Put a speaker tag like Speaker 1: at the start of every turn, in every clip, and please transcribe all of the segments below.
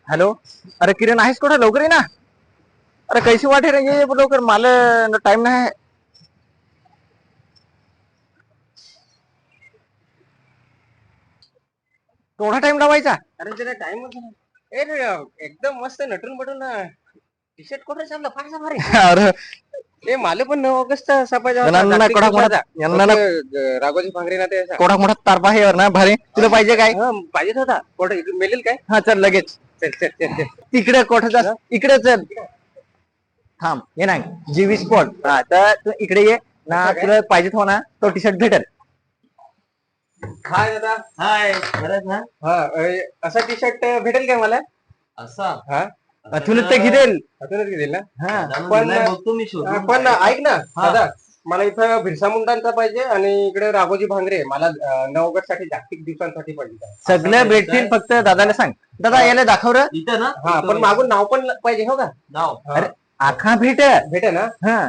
Speaker 1: Hello. अरे किरण आहेस कुठं? लवकर ये ना. अरे कैसी वाट है रे, ये लवकर, मला टाइम नाही. थोडा टाइम लावायचा.
Speaker 2: अरे जरा टाइम एकदम मस्त नटून बटून टी शर्ट कुठे छापला फारसा भारी.
Speaker 1: अरे
Speaker 2: ते माले पण 9 ऑगस्ट छापायचा
Speaker 1: यांना कोडा मोठा यांना
Speaker 2: राघोजी भांगरे ना ते
Speaker 1: कोडा मोठा तारपा आहे ना भारी. तुला पाहिजे काय?
Speaker 2: पाहिजेच होता. कुठे मिळेल काय?
Speaker 1: हा चल लगेच.
Speaker 2: चल चल चल चल.
Speaker 1: तिकडे कोठं जा, इकडे चल. थांब ये ना जीवी स्पॉट. हा तर तू इकडे ये ना, तुला पाहिजे हो ना तो टी शर्ट भेटेल.
Speaker 2: हाय दादा.
Speaker 3: हाय, बरं ना?
Speaker 2: हा असा टी शर्ट भेटेल काय मला?
Speaker 3: असा
Speaker 2: हा
Speaker 1: तुला ते घेईल.
Speaker 2: अजूनच घेईल ना.
Speaker 1: हा
Speaker 2: पण
Speaker 3: बघतो मी शोधून.
Speaker 2: पण ऐक ना दादा, मला इथं बिरसा मुंडांचा पाहिजे आणि इकडे राघोजी भांगरे मला 9 ऑगस्ट साठी जागतिक दिवसांसाठी पाहिजे.
Speaker 1: सगळं भेटतील, फक्त दादाला सांग. दादा याला दाखव रे.
Speaker 3: इथं ना?
Speaker 2: हा पण मागून नाव पण पाहिजे हो का?
Speaker 3: नाव.
Speaker 1: अरे आखा भेट.
Speaker 2: भेटे ना.
Speaker 1: हा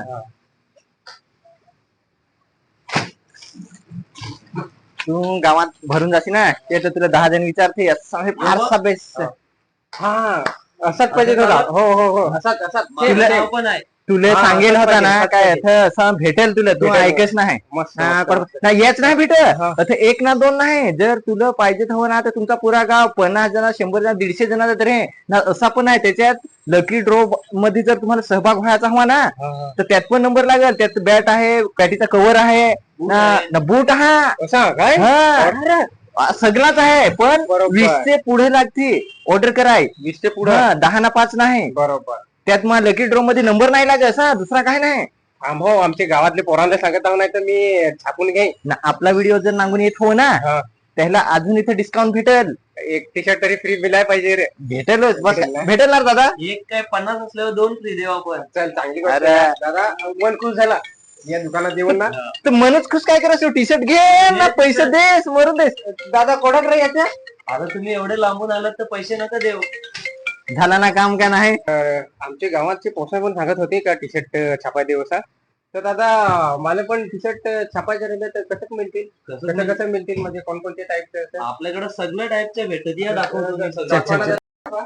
Speaker 1: तू गावात भरून जाशी ना, ते तर तुला 10 जण विचारते असं हे फारसा बेस्ट.
Speaker 2: हा असाच पाहिजे होता. हो हो हो असाच असाच.
Speaker 3: माझं नाव पण आहे.
Speaker 1: तुला
Speaker 2: हा,
Speaker 1: सांगेल
Speaker 2: असंच
Speaker 1: होता
Speaker 2: पाहिजे,
Speaker 1: ना
Speaker 2: असंच
Speaker 1: काय
Speaker 2: पाहिजे.
Speaker 1: असं भेटेल तुला, तू
Speaker 2: भेटेल.
Speaker 1: ऐकच नाही.
Speaker 2: मस्त
Speaker 1: हा,
Speaker 2: मस्त,
Speaker 1: बरोबर.
Speaker 2: मस्त.
Speaker 1: नाही हेच नाही
Speaker 2: हा.
Speaker 1: भेट एक ना दोन नाही. जर तुला पाहिजे हवं ना तर तुमचा पुरा गाव 50 जण 100 जण 150 जणांचा तरी आहे ना. असा पण आहे त्याच्यात लकी ड्रॉ मध्ये जर तुम्हाला सहभाग व्हायचा हवा ना
Speaker 2: हा, हा.
Speaker 1: तर त्यात पण नंबर लागेल. त्यात बॅट आहे, बॅटीचा कव्हर आहे ना, बूट हा.
Speaker 2: असा काय?
Speaker 1: हा.
Speaker 2: अरे,
Speaker 1: सगळाच आहे, पण
Speaker 2: बरोबर.
Speaker 1: 20 चे पुढे लागते ऑर्डर कराय.
Speaker 2: 20 ते पुढे.
Speaker 1: 10 ना 5 नाही.
Speaker 2: बरोबर.
Speaker 1: त्यात मग लकी ड्रॉ मध्ये नंबर नाही लागत असा, दुसरा काय नाही
Speaker 2: हो आमच्या गावातले पोरांना सांगत आहो, नाही तर मी छापून घेईन
Speaker 1: ना. आपला व्हिडिओ जर नांगून येत हो ना
Speaker 2: हा.
Speaker 1: त्याला अजून इथे डिस्काउंट भेटेल.
Speaker 2: एक टी शर्ट तरी फ्री मिळायला पाहिजे रे.
Speaker 1: भेटेलच बस.
Speaker 2: भेटेल ना?
Speaker 1: भेटेल ना दादा.
Speaker 3: एक काय 50 असल्यावर 2 फ्री देऊ आपण.
Speaker 2: चल चांगली गोष्ट
Speaker 1: अरे.
Speaker 2: आहे. दादा मन खुश झाला या दुकानात येऊन ना.
Speaker 1: तर मनच खुश काय करायचं, टी शर्ट घे ना, पैसे देस मरून देस.
Speaker 2: दादा कोणाक रे याच्या
Speaker 3: आता तुम्ही एवढे लांबून आलात तर पैसे नका देऊ.
Speaker 1: झाला ना काम का नाही.
Speaker 2: आमच्या गावाचे पोसा पण सांगत होते का टी शर्ट छापाय दिवसा. तर दादा मला पण टी शर्ट छापायचे राहिले तर कसं मिळतील? कसं कसं मिळतील म्हणजे कोणकोणते टाईपचे?
Speaker 3: आपल्याकडे सगळ्या टाईपच्या भेटत. या दाखवतो मी
Speaker 1: चल, चल,
Speaker 3: सगळं.
Speaker 1: चल.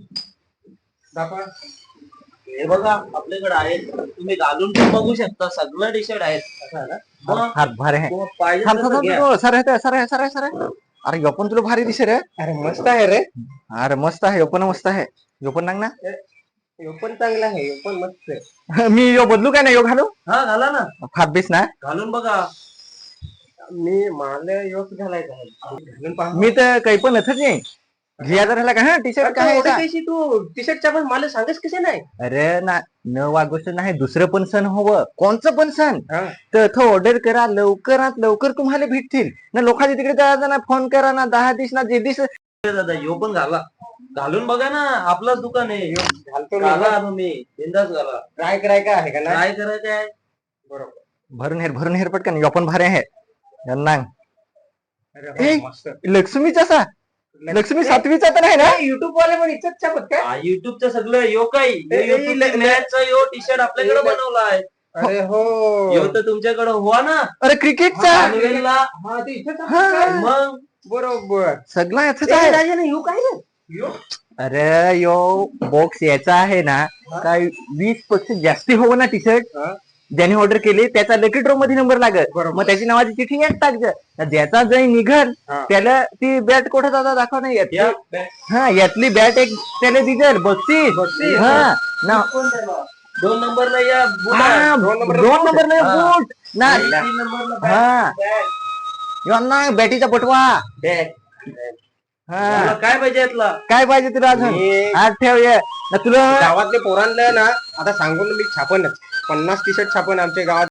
Speaker 2: दाखवा.
Speaker 3: हे बघा आपल्याकडे आहेत. तुम्ही घालून पण बघू शकता. सगळं टी शर्ट आहेत.
Speaker 2: असं आहे ना?
Speaker 3: मग
Speaker 1: हात भारी आहे.
Speaker 3: तुम्हाला पाहिजे
Speaker 1: थांब,
Speaker 3: तसं
Speaker 1: थांब,
Speaker 3: घ्या.
Speaker 1: थांब. सर आहे, सर आहे, सर आहे, सर आहे. अरे यो पण तुला भारी दिसे रे.
Speaker 2: अरे मस्त आहे रे.
Speaker 1: अरे मस्त आहे, यो पण मस्त आहे. यो पण नांग ना.
Speaker 2: यो पण चांगला आहे. यो पण मस्त आहे.
Speaker 1: मी यो बदलू काय ना, यो घालू
Speaker 3: हा घाला ना.
Speaker 1: फार बेस ना.
Speaker 3: घालून बघा.
Speaker 2: मी मला योच घालायचा आहे. घालून पहा.
Speaker 1: मी तर काही पण नथच नाही. घ्या जर ह्याला का हा टी शर्ट काय आहे का?
Speaker 2: तू टी शर्टच्या पण मला सांगस कसे नाही?
Speaker 1: अरे ना, न वागोष्ट नाही, दुसरं पण सण हवं, कोणचं पण सण
Speaker 2: हा.
Speaker 1: तर ऑर्डर करा, लवकरात लवकर तुम्हाला भेटतील ना. लोकांच्या तिकडे जायचं ना, फोन करा ना, 10 दिवस ना, जे दिवस.
Speaker 3: दादा यो पण घाला. घालून बघा ना. आपलंच दुकान आहे.
Speaker 2: घालतो
Speaker 3: घाला
Speaker 2: मी.
Speaker 3: तुम्ही बिंदास घाला.
Speaker 2: ट्राय करायचं आहे का नाही?
Speaker 3: काय करायचं आहे?
Speaker 2: बरोबर.
Speaker 1: भरून हेर पटकन. यो पण भारी आहे यांना.
Speaker 2: अरे
Speaker 1: ए,
Speaker 2: हो, मस्त.
Speaker 1: लक्ष्मीचा सा लक्ष्मी 7वीचा तर नाही ना.
Speaker 2: युट्यूब वाले पण इच्छाच छापत काय?
Speaker 3: युट्यूबचं सगळं यो काही
Speaker 2: ए,
Speaker 3: मॅचचा यो टी शर्ट आपल्याकडे बनवला आहे.
Speaker 2: अरे हो.
Speaker 3: यो तर तुमच्याकडे हुआ ना
Speaker 1: अरे क्रिकेटचा
Speaker 3: पनवेलला.
Speaker 2: हा ते इथेच
Speaker 1: हा.
Speaker 2: आहे काय?
Speaker 3: मग
Speaker 2: बरोबर.
Speaker 1: सगळा याचाच
Speaker 2: ए,
Speaker 1: आहे.
Speaker 2: राजाने येऊ काय रे? यो.
Speaker 1: अरे यो बॉक्स याचा आहे ना, काय 20% जास्ती हो ना टी शर्ट.
Speaker 2: हा.
Speaker 1: ज्याने ऑर्डर केले त्याचा लकी ड्रॉ मध्ये नंबर लागत.
Speaker 2: बरोबर.
Speaker 1: मग त्याची नावाची चिठ्ठी यात टाकत. ज्याचा जय निघल
Speaker 2: हा.
Speaker 1: त्याला ती बॅट कुठे जाता दाखव नाही येत.
Speaker 3: या
Speaker 1: हा यातली बॅट एक त्याला दिसल बक्षीस.
Speaker 2: बक्षीस.
Speaker 1: हा ना.
Speaker 3: 2 नंबरला या बुटा.
Speaker 1: हा,
Speaker 2: दोन नंबर
Speaker 1: 2 नंबर नाही
Speaker 3: हा.
Speaker 1: बूट ना.
Speaker 3: 3 नंबरला
Speaker 1: हा.
Speaker 3: बॅट.
Speaker 1: यो ना बॅटीचा पटवा.
Speaker 3: बॅट.
Speaker 1: हा
Speaker 3: तुला काय पाहिजे यातला?
Speaker 1: काय पाहिजे तुला अजून?
Speaker 2: मी-
Speaker 1: हात ठेव ये ना तुला.
Speaker 2: गावातले पोरांना ना आता सांगून मी छापनच 50 टी शर्ट छापन आमच्या गावात.